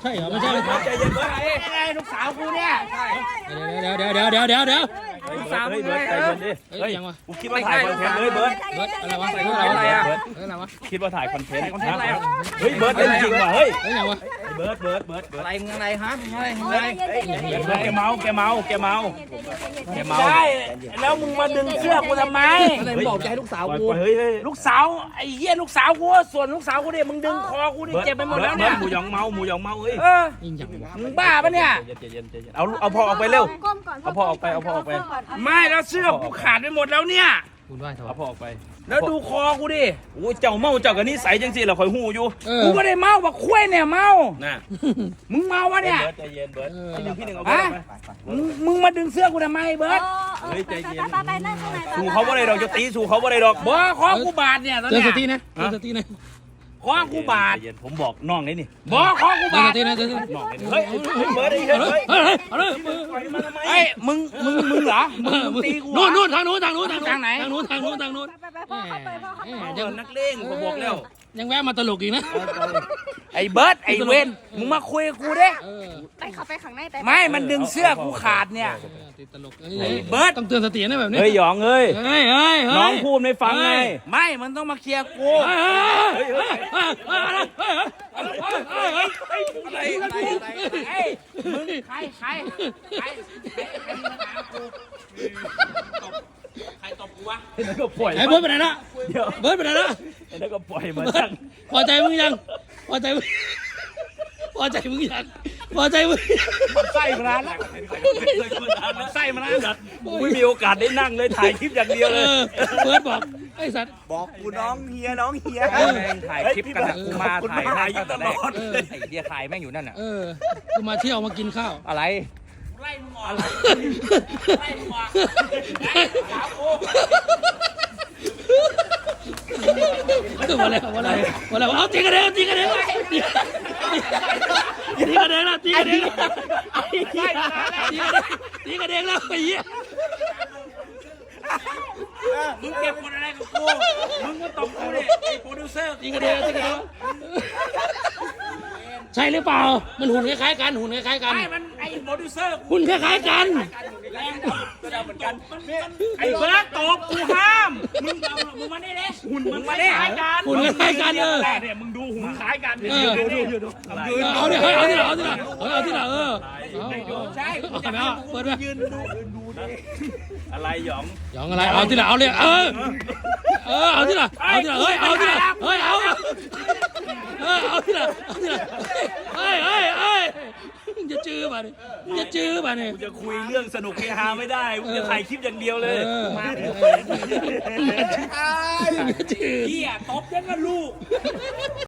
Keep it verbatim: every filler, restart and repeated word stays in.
ใช่เหรอไม่ใช่ไม่ใช่ใจเย็นเบิร์ดไงลูกสาวกูเนี่ยเดี๋ยวเดี๋ยวเดี๋ยวเดี๋ยวเดี๋ยวเดี๋ยวลูกสาวเฮ้ยเบิร์ดใจเย็นดิเฮ้เฮ้ยยยังวะกูคิดว่าถ่ายคอนเทนต์เลยเบิร์ดเบิร์ดอะไรวะเฮ้ยอะไรอะไรวะอะเฮ้ยอะไรวะคิดว่าถ่ายคอนเทนต์คอนเทนต์อะไรอ่ะเฮ้ยเบิร์ดเป็นจริงว่ะเฮ้ยเฮ้ยยังวะเบิร์ดเบิร์ดเบิร์ดเบิร์ดอะไรมึงอะไรฮะมึงอะไรมึงอะไรเบิร์ดแกเมาแกเมาแกเมาแกเมาใช่แล้วมึงมาดึงเสื้อกูทำไมอะไรมึงบอกจะให้ลูกสาวกูเฮ้ยเฮ้ยลูกสาวไอ้เหี้ยลูกสาวกูส่วนลูกสาวกูเนี่ยมึงดึงคอกูนี่เจ็บไปหมดแล้วเนี่ยหมูยองเมาหมูยองเมาเฮ้ยเออยิงจังวะมึงบ้าปะเนี่ยใจเย็นใจเย็นเอาเอาพ่อออกไปเร็วเอาพ่อออกไปเอาพ่อออกไปไม่แล้วเสื้อกูขาดไปหมดแล้วเนี่ยคุณไหวเถเอาอะพ่อออกไปแล้วดูคอกูดิโอ้ยเจ้าเมาเจ้ากับนิสัยจังสิเราคอยหูอยู่เออกูไม่ได้เมาบักคุ้ยเนี่ยเมาน่ะมึงเมาวะเนี่ยเบิร์ดใจเย็นเบิร์ดพี่หนึ่งพี่หนึ่งเอาฮะไปมึงมึงมาดึงเสื้อกูทำไมเบิร์ตเฮ้ยใจเย็นไปไปนั่งข้างในสู้เขาบ่ได้ดอกจะตีสู้เขาบ่ได้ดอกบอคอกูบาดเนี่ยตอนเจอเนี้สติยนะเจอสตินะคอกูบาดใจเย็นผมบอกน้องนี่นี่บอคอกูเจอบาสดตินะเจอสติน้องนี่เฮ้ยเฮ้ยเบิร์ดไอ้เฮ้ยเฮ้ยเฮ้ยเอาเลยมือเฮ้ยมึงมึงมึงเหรอมึงมึงตีกูเหรนู่อนนู่นทางนู้นทางนู้นทางทางไหนทางนู้นทางนู้นทางนู้นไปไปพ่อเข้าไปพ่อเข้าไปเดี๋ยวนักเลงผมบอกแล้วยังแวะมาตลกอีกนะไอ้เบิร์ตไอ้เวนมึงมาคุยกับกูเด้เออไปเข้าไปข้างในแต่ไม่มันดึงเสื้อกูขาดเนี่ยติดตลกเบิร์ดต้องเตือนสตินะแบบนี้เฮ้ยหยองเอ้ยเฮ้ยเฮ้ยน้องพูดไม่ฟังไงไม่มันต้องมาเคลียร์กูเฮ้ยเฮ้ยเฮ้ยเฮ้ยเฮ้ยเฮ้ยเฮ้ยเฮ้ยอะไรอะไรเฮ้ยมึงใครใครใครใครใครมีปัญหากูใครตบกูวะแล้วก็ปล่อยไอ้เบิร์ดไปไหนละเดี๋ยวเบิร์ดไปไหนละแล้วก็ปล่อยมาเบิร์จัดงพอใจมึงยังพอใจมึงพอใจมึงยังพอใจมึงไส้มานานแล้วไส้มาแล้วไม่มีโอกาสได้นั่งเลยถ่ายคลิปอย่างเดียวเอเลยอเบิร์ดบอกไอ้สัตว์บอกกูน้องเฮียน้องเฮียแม่งถ่ายคลิปกันนะกูมาถ่ายให้ตั้งแต่แรกไอ้เดียถ่ายแม่งอยู่นั่นน่ะเออกูมาเที่ยวมากินข้าวอะไรไล่มึงออกไล่มึงออกสาวกูมาแล้วมาแล้วมาแล้วเอาตีกันเองตีกันเองตีกันเองละตีกันเองตีกันเองแล้วไอ้เหี้ยมึงเก็บคนอะไรกับกูมึงก็ตบกูดิไอ้โปรดิวเซอร์ตีกันเองตีกันเองใช่หรือเปล่ามันหุ่นคล้ายๆกันหุ่นคล้ายๆกันไอ้มันไอ้โปรดิวเซอร์หุ่นคล้ายๆกันแรงก็ได้เหมือนกันไอ้เบิร์ดตบกูห้ามมึงเอามึงมาได้เลยหุ่นมึงมาได้กันหุ่นคล้ายๆกันเออเนี่ยมึงดูหุ่นคล้ายกันเออเอาดิเอาดิเอาดิเอาดิเอาดิเออใช่เอาไปเอาเปิดไปยืนดูดูดิอะไรหยองยองอะไรเอาที่ละเอาเลยเออเออเอาที่ละเอาที่ละเฮ้ยเอาที่ละเฮ้ยเอาเออเอาที่ละเอาที่ละเฮ้ยเฮ้ยเฮ้ยจะจื้อป่ะเนี่ยจะจื้อป่ะเนี่ยกูจะคุยเรื่องสนุกเฮฮาไม่ได้กูจะถ่ายคลิปอย่างเดียวเลยมาดิจะจื้อเฮียตบยังกับลูก